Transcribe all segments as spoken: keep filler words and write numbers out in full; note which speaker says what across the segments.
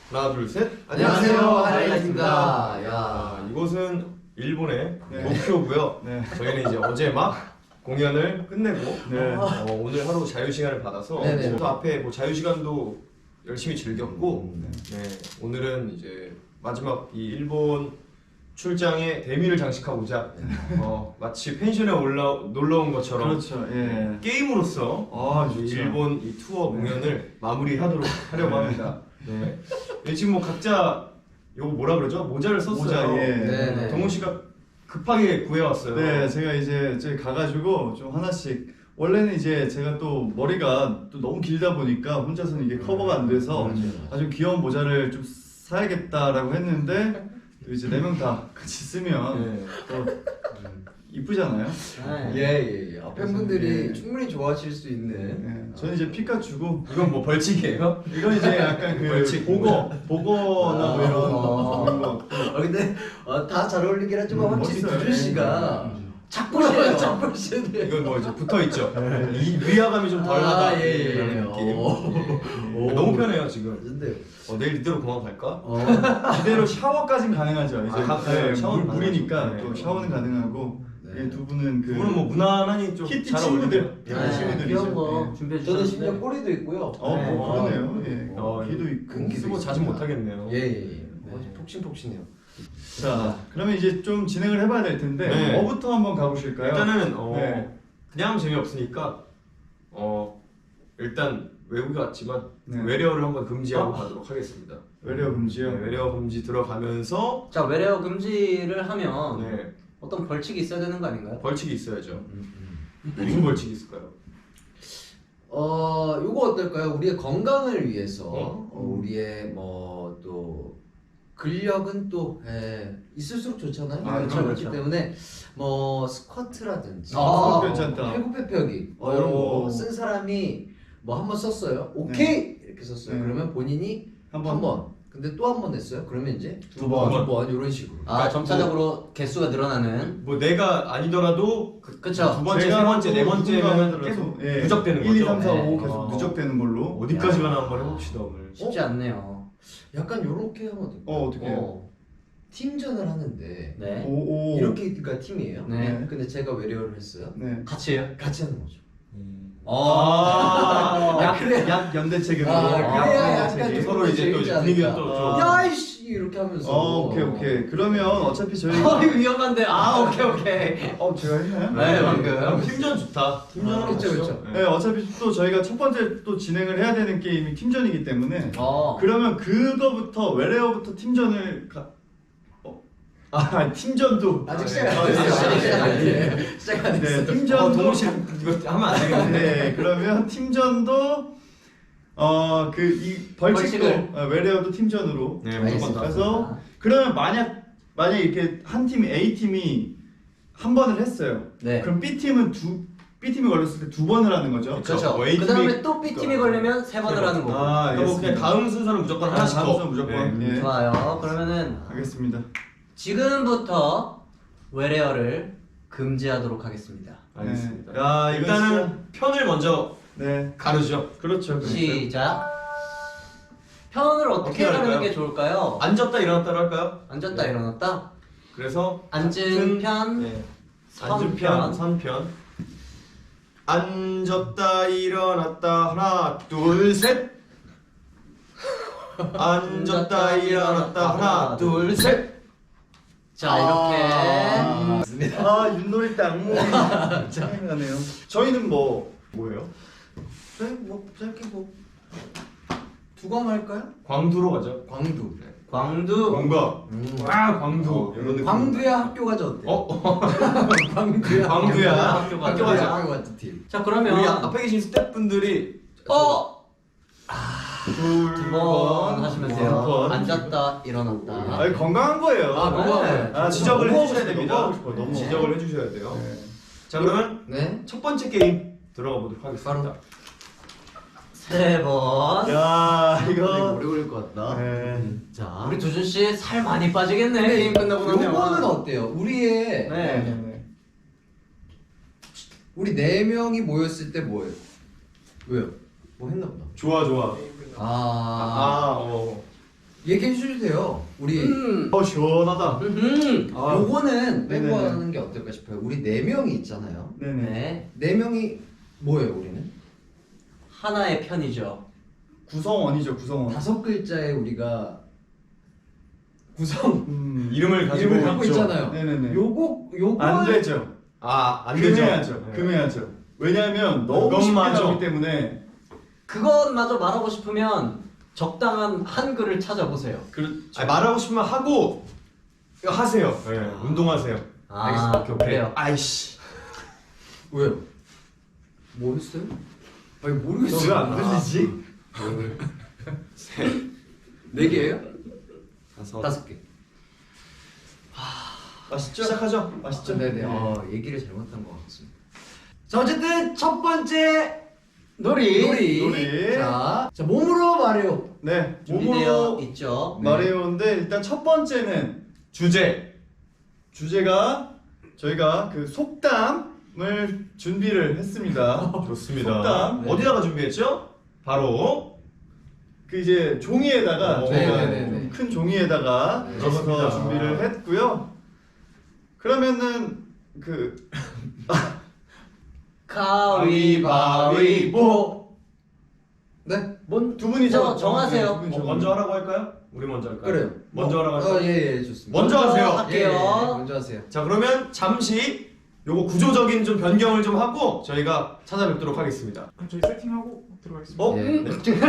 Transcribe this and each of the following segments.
Speaker 1: 하나 둘 셋.
Speaker 2: 안녕하세요, 하이라이트입니다. 야,
Speaker 1: 아, 이곳은 일본의
Speaker 3: 네.
Speaker 1: 도쿄고요.
Speaker 3: 네.
Speaker 1: 저희는 이제 어제 막 공연을 끝내고
Speaker 3: 네.
Speaker 1: 어, 오늘 하루 자유 시간을 받아서
Speaker 2: 네네.
Speaker 1: 또 앞에 뭐 자유 시간도 열심히 즐겼고
Speaker 2: 음,
Speaker 1: 네, 오늘은 이제 마지막 이 일본 출장에 대미를 장식하고자 어, 마치 펜션에 올라 놀러 온 것처럼
Speaker 3: 그렇죠. 예.
Speaker 1: 게임으로서
Speaker 3: 아,
Speaker 1: 이
Speaker 3: 좋죠.
Speaker 1: 일본 이 투어 공연을 마무리하도록 하려고
Speaker 3: 네.
Speaker 1: 합니다. 네. 네, 지금 뭐 각자 요거 뭐라 그러죠? 모자를 썼어요.
Speaker 3: 모자, 예.
Speaker 2: 네네.
Speaker 1: 동훈 씨가 급하게 구해왔어요.
Speaker 3: 네, 제가 이제 저기 가가지고 좀 하나씩 원래는 이제 제가 또 머리가 또 너무 길다 보니까 혼자서는 이게 커버가 안 돼서
Speaker 2: 맞아요.
Speaker 3: 아주 귀여운 모자를 좀 사야겠다라고 했는데 또 이제 네 명 다 같이 쓰면
Speaker 1: 네.
Speaker 3: 또 이쁘잖아요.
Speaker 2: 예예예. 예. 팬분들이
Speaker 3: 예.
Speaker 2: 충분히 좋아하실 수 있는.
Speaker 3: 네, 저는 이제 피카츄고
Speaker 1: 이건 뭐 벌칙이에요?
Speaker 3: 이건 이제 약간 그
Speaker 1: 벌칙.
Speaker 3: 보거, 보거나 뭐 이런
Speaker 2: 아.
Speaker 3: 그런 거.
Speaker 2: 어 근데 어, 다 잘 어울리긴 하지만
Speaker 3: 음,
Speaker 2: 확실히
Speaker 3: 멋있어요.
Speaker 2: 두준 씨가
Speaker 3: 음.
Speaker 2: 작보시네요. 작보시네.
Speaker 1: 이건 뭐 이제 붙어 있죠. 이 위화감이 좀 덜하다.
Speaker 2: 아, 예, 예,
Speaker 1: 이런
Speaker 2: 예.
Speaker 1: 느낌.
Speaker 2: 오.
Speaker 1: 예. 너무 편해요 지금.
Speaker 2: 근데
Speaker 1: 어, 내일 이대로 공항 갈까?
Speaker 2: 어.
Speaker 3: 이대로 샤워까지는 가능하죠. 이제
Speaker 1: 아, 가-
Speaker 3: 네,
Speaker 1: 샤워는
Speaker 3: 물, 물이니까
Speaker 1: 가능하죠.
Speaker 3: 또
Speaker 1: 네.
Speaker 3: 샤워는 가능하고
Speaker 2: 네.
Speaker 3: 예, 두 분은 그
Speaker 1: 두 분은 뭐 무난하니 좀
Speaker 3: 키티
Speaker 1: 잘
Speaker 3: 친구들.
Speaker 1: 어울리네요.
Speaker 3: 예,
Speaker 2: 네,
Speaker 3: 친구들이죠.
Speaker 4: 귀여운 거
Speaker 3: 예.
Speaker 4: 준비해
Speaker 2: 저는
Speaker 4: 주셨는데
Speaker 2: 심지어 꼬리도 있고요.
Speaker 3: 어,
Speaker 1: 네.
Speaker 3: 뭐 그러네요. 예.
Speaker 1: 어,
Speaker 3: 귀도 있고.
Speaker 2: 큰
Speaker 1: 쓰고 자주 못 하겠네요.
Speaker 2: 예예예.
Speaker 3: 네.
Speaker 2: 폭신폭신해요.
Speaker 3: 자, 그러면 이제 좀 진행을 해봐야 될 텐데
Speaker 1: 네.
Speaker 3: 뭐부터 한번 가보실까요?
Speaker 1: 일단은 어,
Speaker 3: 네.
Speaker 1: 그냥 재미없으니까 어, 일단 외국에 왔지만
Speaker 3: 네.
Speaker 1: 외래어를 한번 금지하고
Speaker 3: 아.
Speaker 1: 가도록 하겠습니다.
Speaker 3: 외래어 금지요.
Speaker 1: 네, 외래어 금지 들어가면서
Speaker 4: 자 외래어 금지를 하면
Speaker 1: 네,
Speaker 4: 어떤 벌칙이 있어야 되는 거 아닌가요?
Speaker 1: 벌칙이 있어야죠.
Speaker 2: 음,
Speaker 1: 무슨 벌칙이 있을까요?
Speaker 2: 어 요거 어떨까요? 우리의 건강을 위해서
Speaker 1: 어?
Speaker 2: 어, 우리의 뭐 또 근력은 또 예, 있을수록 좋잖아요.
Speaker 3: 아,
Speaker 2: 그렇죠,
Speaker 3: 그렇죠,
Speaker 2: 그렇기
Speaker 4: 그렇죠.
Speaker 2: 때문에 뭐 스쿼트라든지
Speaker 3: 아, 괜찮다.
Speaker 2: 팔굽혀펴기 어,
Speaker 3: 오.
Speaker 2: 이런 거 쓴 사람이 뭐 한 번 썼어요. 오케이 이렇게 썼어요.
Speaker 3: 네.
Speaker 2: 그러면 본인이
Speaker 3: 한
Speaker 2: 한
Speaker 3: 번.
Speaker 2: 번. 근데 또 한 번 냈어요. 그러면 이제
Speaker 3: 두 번.
Speaker 2: 두 번 이런 식으로.
Speaker 4: 아 점차적으로 개수가 늘어나는.
Speaker 1: 뭐 내가 아니더라도 그,
Speaker 4: 그쵸.
Speaker 1: 두 번째,
Speaker 3: 제가
Speaker 1: 세 번째, 네
Speaker 3: 또
Speaker 1: 번째면
Speaker 3: 누군가
Speaker 1: 계속
Speaker 3: 하더라도, 예,
Speaker 1: 누적되는
Speaker 3: 일, 이,
Speaker 1: 거죠.
Speaker 3: 삼, 사, 오
Speaker 4: 네.
Speaker 3: 계속
Speaker 1: 어.
Speaker 3: 누적되는 걸로.
Speaker 1: 어디까지
Speaker 4: 야.
Speaker 1: 가나 한번 해봅시다 오늘.
Speaker 4: 쉽지 않네요.
Speaker 2: 약간 요렇게 하면 어떨까요?
Speaker 3: 어, 어떻게 해요?
Speaker 2: 어, 팀전을 하는데
Speaker 4: 네.
Speaker 3: 오, 오.
Speaker 2: 이렇게가 팀이에요.
Speaker 4: 네.
Speaker 2: 근데 제가 외래어를 했어요.
Speaker 3: 네.
Speaker 4: 같이 해요?
Speaker 2: 같이 하는 거죠.
Speaker 4: 어.
Speaker 3: 약,
Speaker 2: 그래.
Speaker 3: 약 연대책으로.
Speaker 2: 아, 그래야
Speaker 3: 약
Speaker 2: 약간
Speaker 3: 연대책이.
Speaker 2: 좀
Speaker 1: 서로 이제 또 이제 분위기가 또
Speaker 3: 아.
Speaker 1: 좀.
Speaker 2: 야이씨 이렇게 하면서.
Speaker 3: 어, 오케이, 오케이. 그러면 어차피 저희.
Speaker 4: 아 이거 위험한데. 아 오케이 오케이.
Speaker 3: 어, 제가 했나요?
Speaker 4: 네, 방금.
Speaker 1: 그럼 팀전 좋다. 팀전은
Speaker 2: 아, 그쵸,
Speaker 1: 좋죠.
Speaker 2: 그쵸.
Speaker 1: 네.
Speaker 3: 네, 어차피 또 저희가 첫 번째 또 진행을 해야 되는 게임이 팀전이기 때문에
Speaker 4: 어.
Speaker 3: 그러면 그거부터 외래어부터 팀전을 가... 어? 아 팀전도
Speaker 2: 아직
Speaker 1: 아,
Speaker 2: 시작
Speaker 1: 네.
Speaker 2: 안
Speaker 1: 아,
Speaker 2: 됐어요.
Speaker 1: 네.
Speaker 2: 시작 안 됐어요. 시작 안
Speaker 3: 네,
Speaker 2: 됐어요.
Speaker 1: 어,
Speaker 3: 팀전도
Speaker 1: 동훈 씨 이거 하면 안 되겠네.
Speaker 3: 네, 그러면 팀전도 어 그 이 벌칙도
Speaker 4: 벌칙을.
Speaker 3: 어, 외래어도 팀전으로.
Speaker 1: 네,
Speaker 2: 알겠습니다.
Speaker 1: 무조건 다.
Speaker 3: 그래서 그러면 만약 만약 이렇게 한 팀 A 팀이 한 번을 했어요.
Speaker 4: 네.
Speaker 3: 그럼 B 팀은 두 B 팀이 걸렸을 때 두 번을 하는 거죠.
Speaker 4: 그렇죠.
Speaker 1: 뭐 A
Speaker 4: 그 다음에
Speaker 1: 팀이-
Speaker 4: 또 B 팀이 걸리면 세 번을 하는 거고.
Speaker 3: 아,
Speaker 1: 그러니까 뭐 그냥
Speaker 3: 알겠습니다.
Speaker 1: 다음 순서는 무조건
Speaker 3: 아,
Speaker 1: 하나씩
Speaker 3: 다음
Speaker 1: 더.
Speaker 3: 순서 무조건.
Speaker 1: 네.
Speaker 3: 예.
Speaker 4: 좋아요. 그러면은
Speaker 3: 알겠습니다.
Speaker 4: 지금부터 외래어를 금지하도록 하겠습니다.
Speaker 1: 알겠습니다.
Speaker 3: 네. 야, 이거
Speaker 1: 일단은 편을 먼저
Speaker 3: 네,
Speaker 1: 가르죠.
Speaker 3: 그렇죠. 그렇죠.
Speaker 4: 시작. 편을 어떻게
Speaker 1: 어떻게
Speaker 4: 가르는
Speaker 1: 할까요?
Speaker 4: 게 좋을까요?
Speaker 1: 앉았다 일어났다로 할까요?
Speaker 4: 앉았다
Speaker 1: 네.
Speaker 4: 일어났다.
Speaker 1: 그래서
Speaker 4: 앉은 편,
Speaker 1: 네.
Speaker 4: 선
Speaker 1: 앉은 편, 선편. 앉았다 일어났다 하나 둘 셋. 앉았다 일어났다 하나 둘 셋.
Speaker 4: 자 이렇게
Speaker 2: 맞습니다.
Speaker 3: 아, 윷놀이 때 악몽이 생각나네요. 저희는 뭐
Speaker 1: 뭐예요?
Speaker 2: 저희 뭐 짧게 뭐 두검 할까요?
Speaker 1: 광두로 가죠.
Speaker 2: 광두.
Speaker 4: 광두.
Speaker 1: 뭔가
Speaker 2: 음.
Speaker 1: 아 광두
Speaker 2: 어,
Speaker 1: 이런 느낌.
Speaker 2: 광두야 학교 가자 어때?
Speaker 1: 어?
Speaker 2: 광두야.
Speaker 1: 광두야
Speaker 4: 학교 가자.
Speaker 1: 학교 가자.
Speaker 2: 학교 가자 팀.
Speaker 4: 자 그러면
Speaker 1: 우리 앞에 계신 스태프분들이
Speaker 4: 어!
Speaker 1: 둘
Speaker 4: 두 번 하시면
Speaker 1: 두
Speaker 4: 돼요.
Speaker 1: 번.
Speaker 4: 앉았다 일어났다.
Speaker 3: 아니 건강한 거예요.
Speaker 4: 아, 건강해.
Speaker 3: 아,
Speaker 1: 지적을
Speaker 3: 너무
Speaker 1: 해주셔야
Speaker 3: 하고
Speaker 1: 됩니다.
Speaker 3: 너무 하고 싶어요. 너무.
Speaker 1: 지적을 해주셔야 돼요.
Speaker 3: 네.
Speaker 1: 자 그러면
Speaker 2: 네.
Speaker 1: 첫 번째 게임 들어가 보도록 하겠습니다.
Speaker 4: 세 번.
Speaker 3: 야,
Speaker 2: 이거
Speaker 3: 이거
Speaker 2: 오래 걸릴 것 같다.
Speaker 3: 네.
Speaker 4: 자 우리 두준 씨 살 많이 빠지겠네.
Speaker 2: 근데
Speaker 4: 게임 끝나고 나면.
Speaker 2: 요거는 어때요? 우리의
Speaker 4: 네.
Speaker 3: 네, 네.
Speaker 2: 우리 네 명이 모였을 때 뭐예요? 왜요? 뭐 했나 보다.
Speaker 1: 좋아 좋아.
Speaker 2: 아,
Speaker 1: 아 어.
Speaker 2: 얘기해 주셔도 돼요. 우리
Speaker 4: 음.
Speaker 3: 어 시원하다.
Speaker 4: 음.
Speaker 3: 아,
Speaker 2: 요거는 빼고
Speaker 3: 네네네.
Speaker 2: 하는 게 어떨까 싶어요. 우리 네 명이 있잖아요.
Speaker 3: 네네.
Speaker 4: 네.
Speaker 2: 네 명이 뭐예요, 우리는?
Speaker 4: 하나의 편이죠.
Speaker 3: 구성원이죠 구성원.
Speaker 2: 다섯 글자에 우리가 구성
Speaker 3: 음,
Speaker 1: 이름을 가지고
Speaker 2: 이름을 갖고
Speaker 1: 있죠.
Speaker 2: 있잖아요.
Speaker 3: 네네네.
Speaker 2: 요거 요거
Speaker 3: 안 되죠.
Speaker 1: 아안 되죠.
Speaker 3: 금해야죠.
Speaker 1: 네.
Speaker 3: 금해야죠. 왜냐하면 너무 쉽게
Speaker 1: 그것마저.
Speaker 3: 나오기 때문에.
Speaker 4: 그것마저 말하고 싶으면 적당한 한글을 찾아보세요.
Speaker 3: 그렇죠.
Speaker 1: 아니, 말하고 싶으면 하고 이거 하세요. 네, 운동하세요.
Speaker 4: 아,
Speaker 1: 알겠습니다. 오케이, 오케이.
Speaker 4: 그래요.
Speaker 1: 아이씨.
Speaker 2: 왜요? 뭐 했어요? 아니 모르겠어요.
Speaker 3: 너왜안 들리지?
Speaker 2: 네 개예요?
Speaker 1: 다섯.
Speaker 2: 다섯 개.
Speaker 3: 맛있죠?
Speaker 1: 시작하죠.
Speaker 3: 맛있죠?
Speaker 2: 네네. 어, 얘기를 잘못한 것 같습니다. 자 어쨌든 첫 번째
Speaker 4: 놀이.
Speaker 2: 놀이.
Speaker 3: 놀이.
Speaker 2: 자, 자 몸으로 말해요.
Speaker 3: 네.
Speaker 4: 준비되어
Speaker 3: 몸으로
Speaker 4: 있죠.
Speaker 3: 말해요인데 일단 첫 번째는
Speaker 1: 주제.
Speaker 3: 주제가 저희가 그 속담을 준비를 했습니다.
Speaker 1: 좋습니다.
Speaker 3: 속담.
Speaker 1: 네. 어디다가 준비했죠? 바로
Speaker 3: 그 이제 종이에다가
Speaker 1: 오,
Speaker 3: 저희가
Speaker 2: 네네네네.
Speaker 3: 큰 종이에다가
Speaker 2: 네,
Speaker 3: 적어서
Speaker 1: 좋습니다.
Speaker 3: 준비를 했고요. 그러면은 그
Speaker 4: 가위바위보.
Speaker 2: 네.
Speaker 4: 뭔
Speaker 3: 두 분이
Speaker 4: 저
Speaker 3: 적-
Speaker 4: 정하세요.
Speaker 3: 네, 두 분이
Speaker 1: 어, 먼저 하라고 할까요? 우리 먼저 할까요?
Speaker 2: 그래요.
Speaker 1: 먼저 하라고 할까요?
Speaker 2: 어, 예, 예, 좋습니다.
Speaker 1: 먼저 하세요.
Speaker 4: 할게요.
Speaker 2: 예, 예, 먼저 하세요.
Speaker 1: 자 그러면 잠시 요거 구조적인 좀 변경을 좀 하고 저희가 찾아뵙도록 하겠습니다.
Speaker 5: 그럼 저희 세팅하고 들어가겠습니다.
Speaker 1: 어?
Speaker 2: 예.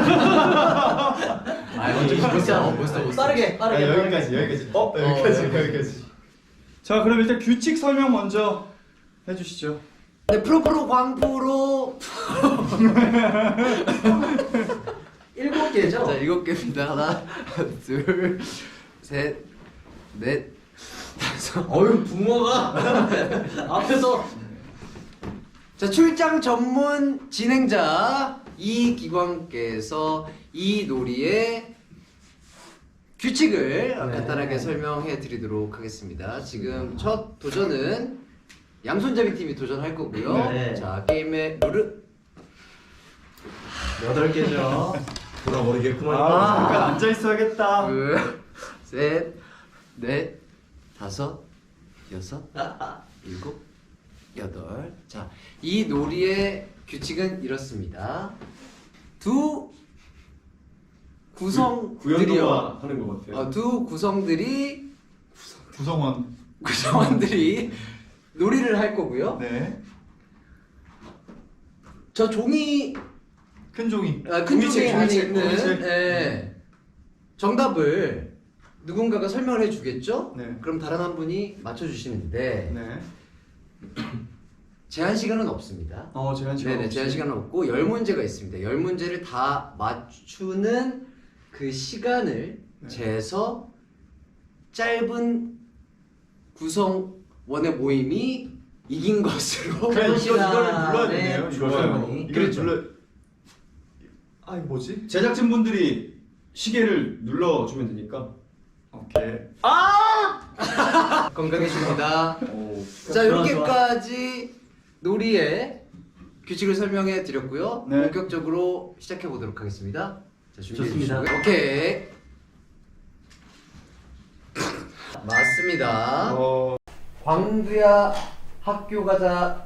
Speaker 2: 아, 먼저 벌써 벌써 벌써.
Speaker 4: 빠르게
Speaker 3: 아,
Speaker 4: 빠르게.
Speaker 3: 여기까지 여기까지. 어 여기까지
Speaker 2: 어, 네.
Speaker 3: 여기까지. 자 그럼 일단 규칙 설명 먼저 해주시죠.
Speaker 2: 네, 프로프로 광프로
Speaker 4: 일곱 개죠.
Speaker 2: 자, 일곱 개입니다. 하나, 둘, 셋, 넷, 다섯.
Speaker 4: 어휴 붕어가 앞에서
Speaker 2: 자, 출장 전문 진행자 이기광께서 이 놀이의 규칙을
Speaker 4: 네.
Speaker 2: 간단하게 설명해 드리도록 하겠습니다. 지금 첫 도전은 양손잡이 팀이 도전할 거고요.
Speaker 4: 네.
Speaker 2: 자, 게임의 룰은
Speaker 4: 여덟 개죠.
Speaker 1: 돌아버리겠구만.
Speaker 3: 아 잠깐 앉아 있어야겠다.
Speaker 2: 둘, 셋, 넷, 다섯, 여섯, 일곱, 여덟. 자, 이 놀이의 규칙은 이렇습니다. 두 구성들이요.
Speaker 1: 구연동화 하는 것 같아요.
Speaker 2: 어, 두 구성들이
Speaker 3: 구성원.
Speaker 2: 구성원들이 놀이를 할 거고요.
Speaker 3: 네.
Speaker 2: 저 종이
Speaker 3: 큰 종이.
Speaker 2: 아, 큰
Speaker 1: 종이책,
Speaker 2: 종이 안에
Speaker 1: 종이책,
Speaker 2: 있는
Speaker 1: 종이책.
Speaker 2: 예, 정답을 누군가가 설명을 해주겠죠?
Speaker 3: 네.
Speaker 2: 그럼 다른 한 분이 맞춰주시는데
Speaker 3: 네.
Speaker 2: 제한 시간은 없습니다.
Speaker 3: 어 제한 시간.
Speaker 2: 네네,
Speaker 3: 없이.
Speaker 2: 제한 시간은 없고 열 문제가 있습니다. 열 문제를 다 맞추는 그 시간을
Speaker 3: 네.
Speaker 2: 재서 짧은 구성원의 모임이 이긴 것으로
Speaker 3: 그래 이거 이거를 눌러야
Speaker 4: 네,
Speaker 3: 되네요.
Speaker 2: 좋아요.
Speaker 3: 이거를. 이거를
Speaker 2: 그렇죠.
Speaker 3: 눌러. 아 이거 뭐지?
Speaker 1: 제작진 분들이 시계를 눌러주면 되니까.
Speaker 3: 오케이.
Speaker 2: 건강해집니다.
Speaker 1: 오.
Speaker 2: 자,
Speaker 4: 좋아,
Speaker 2: 이렇게까지 놀이의 규칙을 설명해 드렸고요.
Speaker 3: 네.
Speaker 2: 본격적으로 시작해 보도록 하겠습니다. 자, 준비해
Speaker 4: 좋습니다.
Speaker 2: 주시고요. 오케이. 맞습니다.
Speaker 1: 어.
Speaker 2: 광두야 학교 가자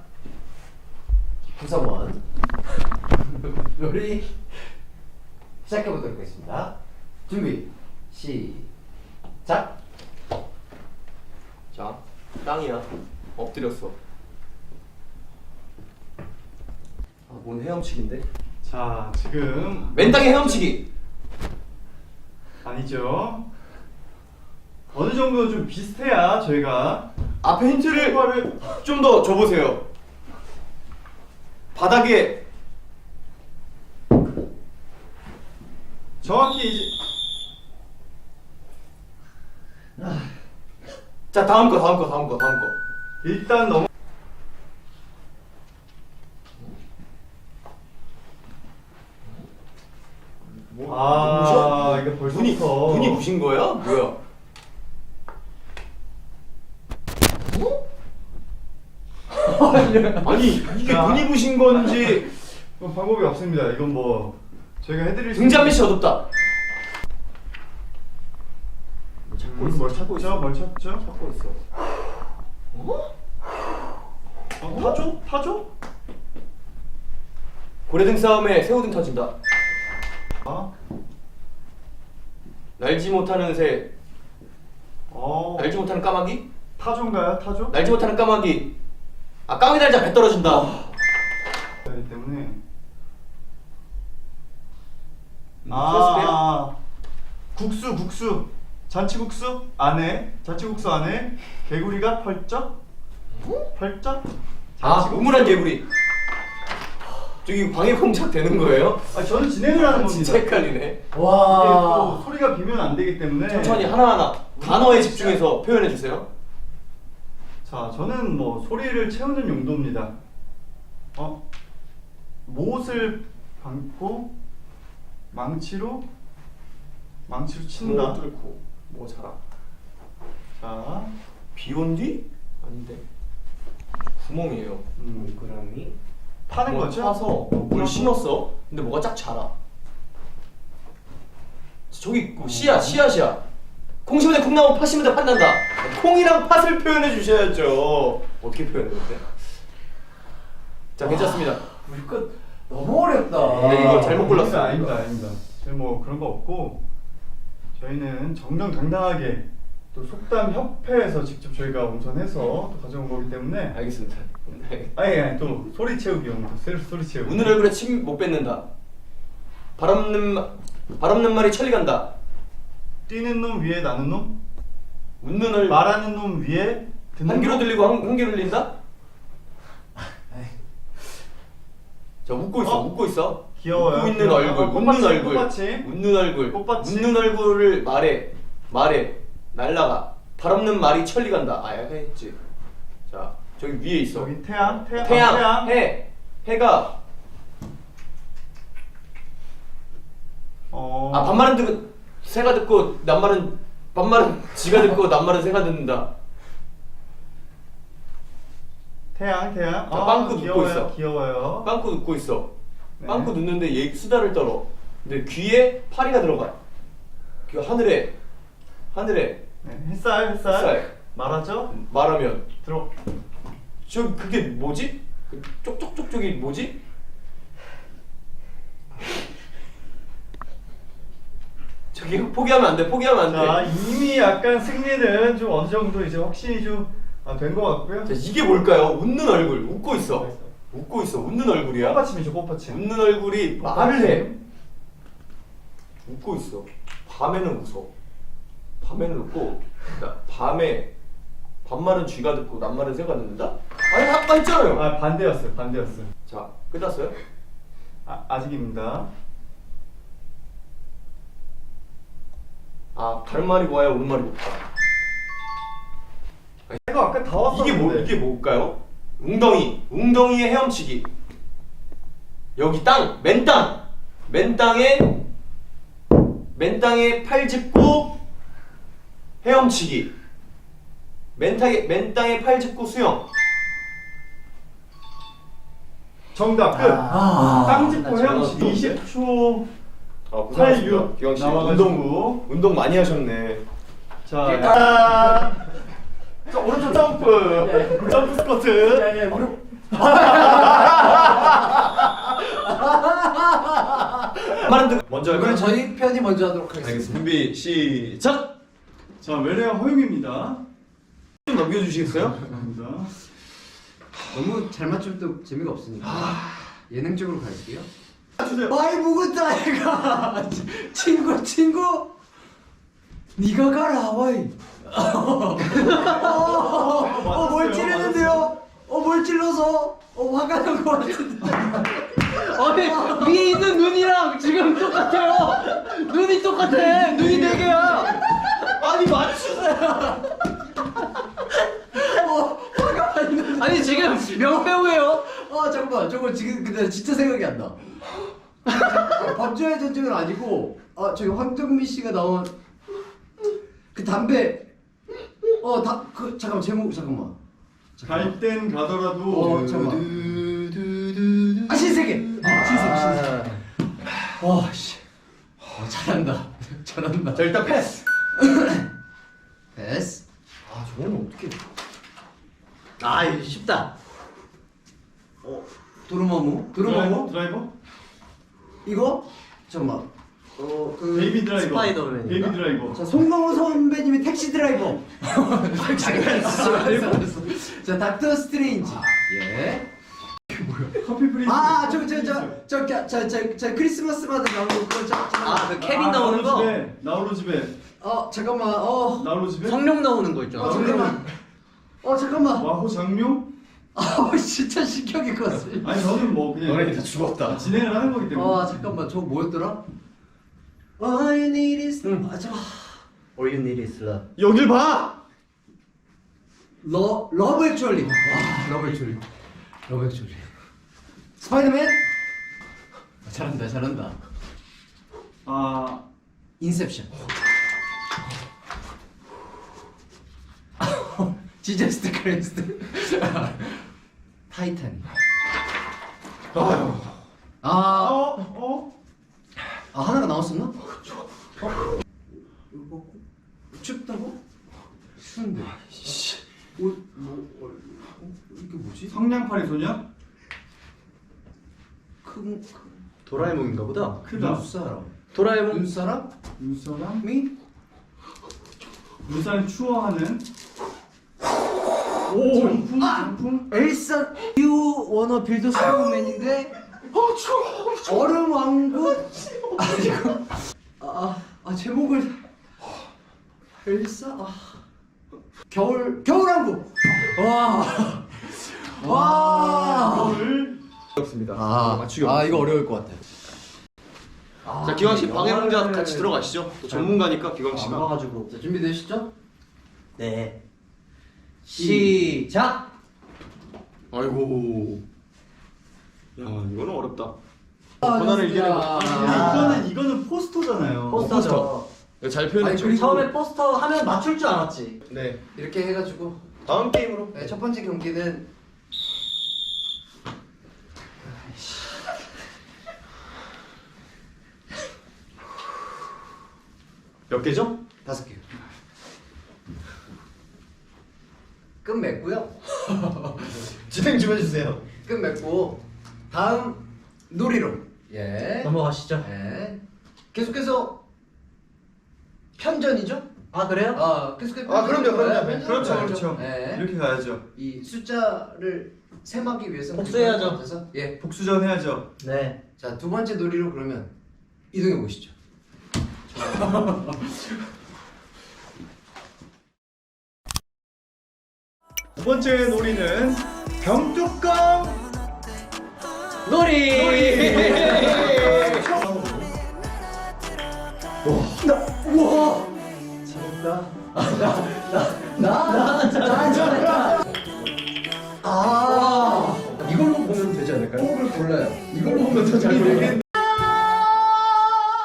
Speaker 2: 구성원 놀이 시작해 보도록 하겠습니다. 준비 시작.
Speaker 1: 자 땅이야. 엎드렸어. 아, 뭔 헤엄치기인데?
Speaker 3: 자 지금
Speaker 1: 맨 땅에 헤엄치기.
Speaker 3: 아니죠. 어느 정도 좀 비슷해야 저희가
Speaker 1: 앞에 힌트를 좀 더 줘보세요. 바닥에
Speaker 3: 정확히 이제
Speaker 1: 자 다음 거 다음 거 다음 거 다음 거.
Speaker 3: 일단 넘어. 아 이거 벌써
Speaker 1: 눈이 눈이 부신 거야? 뭐야? 아니 이게
Speaker 3: 자.
Speaker 1: 눈이 부신 건지
Speaker 3: 뭐 방법이 없습니다. 이건 뭐 저희가 해드릴 수
Speaker 1: 등잔 밑이 어둡다. 거기서 뭘 찾고 있어?
Speaker 3: 뭘 찾죠?
Speaker 1: 찾고 있어. 어?
Speaker 3: 어, 타조? 타조?
Speaker 1: 고래등 싸움에 새우등 터진다.
Speaker 3: 아,
Speaker 1: 날지 못하는 새,
Speaker 3: 어,
Speaker 1: 날지 못하는 까마귀?
Speaker 3: 타조인가요? 타조?
Speaker 1: 날지 못하는 까마귀. 아 까마귀 날자 배 떨어진다.
Speaker 3: 그렇기 때문에.
Speaker 1: 음,
Speaker 3: 아,
Speaker 1: 플러스돼요?
Speaker 3: 아, 국수, 국수. 잔치국수 안에, 잔치국수 안에 개구리가 펄쩍, 펄쩍.
Speaker 1: 아
Speaker 3: 잔치국수.
Speaker 1: 우물한 개구리. 저기 방해 공작 되는 거예요?
Speaker 3: 아, 저는 진행을 하는 겁니다.
Speaker 1: 진짜 헷갈리네.
Speaker 3: 이게
Speaker 4: 와.
Speaker 3: 또 소리가 비면 안 되기 때문에.
Speaker 1: 천천히 하나하나 단어에 집중해서 표현해 주세요.
Speaker 3: 자, 저는 뭐 소리를 채우는 용도입니다. 어? 못을 감고 망치로 망치로 친다.
Speaker 1: 뭐 뚫고 뭐 자라.
Speaker 3: 자,
Speaker 1: 비온 뒤? 아닌데. 구멍이에요.
Speaker 3: 음,
Speaker 4: 동그라미.
Speaker 3: 파는
Speaker 1: 뭐
Speaker 3: 거죠?
Speaker 1: 파서 뭘 심었어. 근데 뭐가 쫙 자라. 저기 그 씨앗, 씨앗이야. 콩 심으면 콩 나오고 팥 심으면 팥 난다. 콩이랑 팥을 표현해 주셔야죠. 어떻게 표현해 근데? 자 괜찮습니다.
Speaker 4: 이거 너무 어렵다.
Speaker 1: 네, 이거 잘못 골랐어요.
Speaker 3: 아닙니다, 아닙니다. 저희 뭐 그런 거 없고 저희는 정정당당하게 또 속담 협회에서 직접 저희가 운선해서 또 가져온 거기 때문에
Speaker 1: 알겠습니다. 네.
Speaker 3: 아니, 아니 또 소리 채우기용으로 셀 소리 채우기.
Speaker 1: 웃는 얼굴에 침 못 뱉는다. 발 없는 마- 발 없는 말이 천리 간다.
Speaker 3: 뛰는 놈 위에 나는 놈,
Speaker 1: 웃는 얼굴
Speaker 3: 말하는 놈 위에 듣는
Speaker 1: 한 귀로
Speaker 3: 놈?
Speaker 1: 들리고 한, 한 귀로 들린다? 자 웃고 있어,
Speaker 3: 어?
Speaker 1: 웃고 있어.
Speaker 3: 귀여워요.
Speaker 1: 웃고 있는
Speaker 3: 귀여워요.
Speaker 1: 얼굴,
Speaker 3: 어,
Speaker 1: 웃는
Speaker 3: 꽃받침,
Speaker 1: 얼굴,
Speaker 3: 꽃받침.
Speaker 1: 웃는 얼굴,
Speaker 3: 꽃받침.
Speaker 1: 웃는 얼굴을 말해, 말해, 날라가. 발 없는 말이 천리 간다. 아, 약간 했지. 자 저기 위에 있어.
Speaker 3: 여기 태양, 태양,
Speaker 1: 태양,
Speaker 3: 아, 태양.
Speaker 1: 해, 해가
Speaker 3: 어.
Speaker 1: 아 반말은 듣고 새가 듣고 낱말은 반말은 지가 듣고 낱말은 새가 듣는다.
Speaker 3: 태양, 태양.
Speaker 1: 자,
Speaker 3: 아,
Speaker 1: 빵꾸
Speaker 3: 귀여워요,
Speaker 1: 웃고 있어.
Speaker 3: 귀여워요.
Speaker 1: 빵꾸 웃고 있어.
Speaker 3: 네.
Speaker 1: 빵꾸 웃는데 얘 수다를 떨어. 근데 귀에 파리가 들어가. 그 하늘에 하늘에
Speaker 3: 네, 햇살, 햇살.
Speaker 1: 햇살.
Speaker 3: 말하죠?
Speaker 1: 말하면
Speaker 3: 들어.
Speaker 1: 저 그게 뭐지? 그 쪽쪽쪽쪽이 뭐지? 저기 포기하면 안 돼. 포기하면 안
Speaker 3: 자,
Speaker 1: 돼.
Speaker 3: 이미 약간 승리는 좀 어느 정도 이제 확신이 좀 된 것 같고요.
Speaker 1: 자, 이게 뭘까요? 웃는 얼굴. 웃고 있어. 웃고 있어. 웃는 얼굴이야.
Speaker 3: 꽃받침이죠, 꽃받침.
Speaker 1: 웃는 얼굴이 말을 해. 웃고 있어. 밤에는 웃어. 밤에는 웃고. 그러니까 밤에 반말은 쥐가 듣고 낱말은 새가 듣는다? 아니 아까 했잖아요.
Speaker 3: 아, 반대였어요, 반대였어요.
Speaker 1: 자 끝났어요?
Speaker 3: 아, 아직입니다.
Speaker 1: 아 다른 말이 뭐야 오는 말이 뭐다.
Speaker 3: 이거 아까 다 왔었는데.
Speaker 1: 이게 뭐 이게 뭘까요? 웅덩이 웅덩이에 헤엄치기. 여기 땅 맨 땅 맨 땅에 맨 땅에 팔 짚고 헤엄치기. 맨 땅에 맨 땅에 팔 짚고 수영.
Speaker 3: 정답 끝.
Speaker 4: 아,
Speaker 3: 땅 짚고
Speaker 4: 나
Speaker 3: 헤엄치기
Speaker 1: 저거
Speaker 3: 이십 초
Speaker 1: 아
Speaker 3: 팔, 육
Speaker 1: 고생하셨습니다. 기광 씨
Speaker 3: 나와가지고.
Speaker 1: 운동 운동 많이 하셨네.
Speaker 3: 자, 야. 자, 오른쪽 점프. 점프 스쿼트.
Speaker 4: 야, 야, 무릎.
Speaker 1: 말은 듣 먼저 할까요?
Speaker 2: 그럼 저희 편이 먼저 하도록 하겠습니다.
Speaker 1: 알겠습니다. 준비 시작.
Speaker 3: 자, 외래어 허용입니다.
Speaker 1: 좀 넘겨주시겠어요?
Speaker 3: 감사합니다.
Speaker 2: 너무 잘 맞추면 또 재미가 없으니까 예능적으로 갈게요.
Speaker 3: 주세요.
Speaker 4: 많이 묵었다 얘가. 친구 친구. 네가 가라 와이. 어뭘 찌르는데요? 어뭘 찔러서? 어 화가 난 것 같은데.
Speaker 6: 아니 위에 있는 눈이랑 지금 똑같아요. 눈이 똑같아. 눈이 네 개야.
Speaker 1: 아니 맞추세요.
Speaker 4: 어 화가 많이 나.
Speaker 6: 아니 지금 명배우예요.
Speaker 4: 아 잠깐만 저거 지금 근데 진짜 생각이 안 나. 범죄의 전쟁은 아니고 아 저기 황정민 씨가 나온 그 담배 어다그 잠깐만 제목 잠깐만
Speaker 3: 갈 땐 가더라도
Speaker 4: 어 잠깐만 아 신세계 아 신세계 신세계 와씨 어, 잘한다 잘한다
Speaker 1: 자 일단 패스.
Speaker 4: 패스.
Speaker 1: 아 저거는 어떻게?
Speaker 6: 아 이거 쉽다.
Speaker 4: 도루마무.
Speaker 3: 드라이버?
Speaker 4: 도루마무.
Speaker 3: 드라이버?
Speaker 4: 이거 잠깐만. 어그
Speaker 3: 베이비 드라이버.
Speaker 6: 스파이더맨인가?
Speaker 3: 베이비 드라이버.
Speaker 4: 자, 송강호 선배님의 택시 드라이버. 자, 닥터 스트레인지. 예.
Speaker 3: 커피 프린스.
Speaker 4: 아, 저, 저, 저, 저, 저, 저, 저, 저 크리스마스마다 나오는 그거, 저, 저.
Speaker 6: 아 그 케빈
Speaker 3: 아,
Speaker 6: 나오는 거.
Speaker 3: 집에, 나홀로 집에.
Speaker 4: 어, 잠깐만, 어,
Speaker 3: 나홀로 집에.
Speaker 6: 성룡 나오는 거 있잖아.
Speaker 4: 어, 잠깐만. 어, 잠깐만.
Speaker 3: 와호 장룡?
Speaker 4: 아, 진짜 신경이 컸어.
Speaker 3: 아니 저는 뭐 그냥
Speaker 1: 너네 이제 죽었다.
Speaker 3: 진행을 하는 거기 때문에.
Speaker 4: 아, 잠깐만, 저거 뭐였더라? All you need is 아, 저,
Speaker 6: All you need is love.
Speaker 1: 여길 봐.
Speaker 4: 러, 러브 액츄얼리. 와, 러브 액츄얼리. 러브 액츄얼리. 스파이더맨. 아, 잘한다, 잘한다.
Speaker 3: 아
Speaker 4: 인셉션. 지저스트 크레스트. 타이타닉.
Speaker 1: 아유.
Speaker 4: 아,
Speaker 3: 어? 어?
Speaker 4: 아 하나가 나왔었나? 어? 이거 춥다고? 추운데. 어, 뭐, 어, 어, 이게 뭐지?
Speaker 3: 성냥팔이 소녀?
Speaker 4: 큰, 큰
Speaker 1: 도라에몽인가 보다.
Speaker 3: 크다.
Speaker 4: 눈사람.
Speaker 6: 도라에몽.
Speaker 4: 눈사람?
Speaker 3: 눈사람?
Speaker 4: 미?
Speaker 3: 눈사람 추워하는. 오 장풍? 장풍?
Speaker 4: 엘사 유 워너 빌드 스노우맨인데
Speaker 1: 어 추워.
Speaker 4: 얼음 왕국? 아 이거 아, 아 제목을 엘사 아 겨울 겨울 왕국 와 와.
Speaker 3: 겨울.
Speaker 1: 어렵습니다.
Speaker 4: 아,
Speaker 1: 맞추기
Speaker 4: 아
Speaker 1: 어렵습니다.
Speaker 4: 이거 어려울 것 같아. 아,
Speaker 1: 자 기광 씨 방해 문제
Speaker 4: 영화를-
Speaker 1: 같이 들어가시죠. 또 전문가니까 기광
Speaker 6: 안
Speaker 1: 씨가.
Speaker 6: 봐가지고.
Speaker 4: 자 준비되시죠?
Speaker 6: 네. 시작.
Speaker 1: 아이고. 야 이거는 어렵다.
Speaker 4: 아,
Speaker 1: 고난을
Speaker 4: 좋습니다.
Speaker 1: 이겨내고.
Speaker 3: 아, 이거는 이거는 포스터잖아요.
Speaker 6: 포스터죠.
Speaker 1: 네, 잘
Speaker 4: 아니,
Speaker 1: 표현했죠.
Speaker 4: 그리고-
Speaker 6: 처음에 포스터 하면 맞출 줄 알았지.
Speaker 1: 네.
Speaker 4: 이렇게 해가지고
Speaker 1: 다음 게임으로.
Speaker 4: 네, 첫 번째 경기는
Speaker 1: 몇 개죠?
Speaker 4: 다섯 개. 끝맺고요.
Speaker 1: 진행 좀 해주세요.
Speaker 4: 끝맺고 다음 놀이로 예.
Speaker 6: 넘어가시죠.
Speaker 4: 예. 계속해서 편전이죠?
Speaker 6: 아 그래요?
Speaker 4: 아 계속해서
Speaker 1: 아, 그럼요, 그럼요.
Speaker 4: 예, 편전으로
Speaker 3: 그렇죠,
Speaker 4: 가야죠.
Speaker 3: 그렇죠.
Speaker 4: 예.
Speaker 3: 이렇게 가야죠.
Speaker 4: 이 숫자를 셈하기 위해서는
Speaker 6: 복수해야죠.
Speaker 4: 그럴 것 같아서, 예.
Speaker 3: 복수전 해야죠.
Speaker 6: 네.
Speaker 4: 자, 두 번째 놀이로 그러면 이동해 보시죠.
Speaker 3: 두 번째 놀이는 병뚜껑
Speaker 6: 놀이.
Speaker 4: 우와! 나, 나, 나, 잘했다. 아, 이걸로 보면 되지 않을까요? 호흡을 골라요. 이걸로 보면 더 잘 모르겠네.